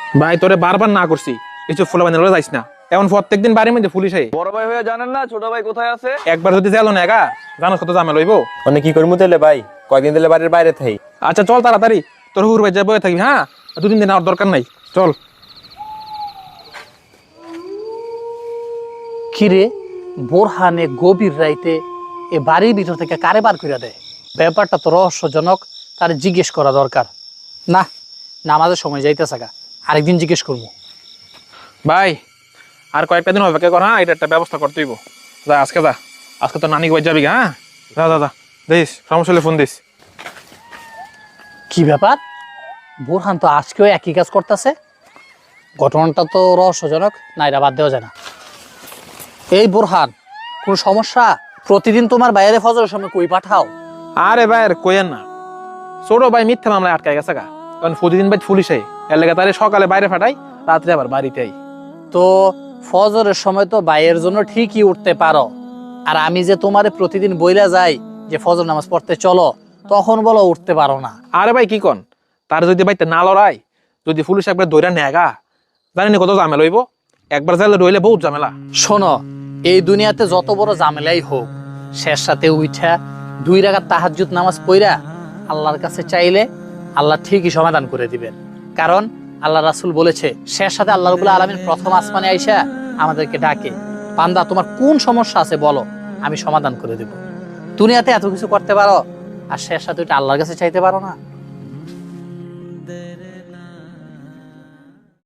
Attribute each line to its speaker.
Speaker 1: ভাই তোরে বারবার না করছি কিছু ফুলা বানিয়ে যাইস না, এমন প্রত্যেকদিন বাড়ির মধ্যে পুলিশ আই।
Speaker 2: বড় ভাই হয়ে জানেন না ছোট ভাই কোথায় আছে?
Speaker 1: একবার যদি গেল না একা জানোস কত ঝামেলা হইব।
Speaker 3: মানে কি করবো তাহলে ভাই, কয়দিন দিলে বাড়ির বাইরে থাই।
Speaker 1: আচ্ছা চল তাড়াতাড়ি, তোর হুর ভাই যাবো থাকবি। হ্যাঁ, 2-3 দিন আর দরকার নাই, চল।
Speaker 4: কিরে বোরহানে গভীর রাইতে এ বাড়ির ভিতর থেকে কারে বার করে দেয়? ব্যাপারটা তো রহস্যজনক, তার জিজ্ঞেস করা দরকার। না, নামাজের সময় যাইতেছে গা, আরেকদিন জিজ্ঞেস করবো।
Speaker 1: ভাই আর কয়েকটা দিন অপেক্ষা কর, হ্যাঁ এটা একটা ব্যবস্থা করতে হইব। যা আজকে যা, আজকে তো নানি বাড়ি যাবি। হ্যাঁ যা যা যা, দিস সমস্যা হলে ফোন দিস।
Speaker 4: কি ব্যাপার, বোরহান তো আজকেও একই কাজ করতেছে। ঘটনাটা তো রহস্যজনক, না এটা বাদ দেওয়া যায় না। এই বোরহান, কোনো সমস্যা? প্রতিদিন তোমার বাইরে ফজরের সময় কই পাঠাও?
Speaker 1: আরে ভাই আর কইেন না, ছোট ভাই মিথ্যা মামলায় আটকায় গেছে গা, কারণ প্রতিদিন ভাই পুলিশ আই, এর লেগে তারে সকালে বাইরে ফাটাই, রাত্রে আবার বাড়িতে আই।
Speaker 4: তো ফজরের সময় তো বাইয়ের জন্য ঠিকই উঠতে পারো, আর আমি যে তোমারে প্রতিদিন বইলা যাই যে ফজর নামাজ পড়তে চলো, তখন বলো উঠতে পারো না।
Speaker 1: আরে ভাই কি কন, তার যদি বাইতে না লড়াই, যদি পুলিশ একবার দৈরা নেগা, জানি কত ঝামেলা হইব। একবার যাইলে রইলে বহুত ঝামেলা।
Speaker 4: শোনো, এই দুনিয়াতে যত বড় ঝামেলাই হোক, শেষ সাথে উঠা 2 রাকাত তাহাজ্জুদ নামাজ পড়া আল্লাহর কাছে চাইলে আল্লাহ ঠিকই সমাধান করে দিবেন। কারণ আল্লাহ রাসূল বলেছে, শেষ সাথে আল্লাহ রাব্বুল আলামিন প্রথম আসমানে আইসা আমাদেরকে ডাকে, বান্দা তোমার কোন সমস্যা আছে বলো, আমি সমাধান করে দেব। দুনিয়াতে এত কিছু করতে পারো, আর শেষ সাথে ওইটা আল্লাহর কাছে চাইতে পারো না।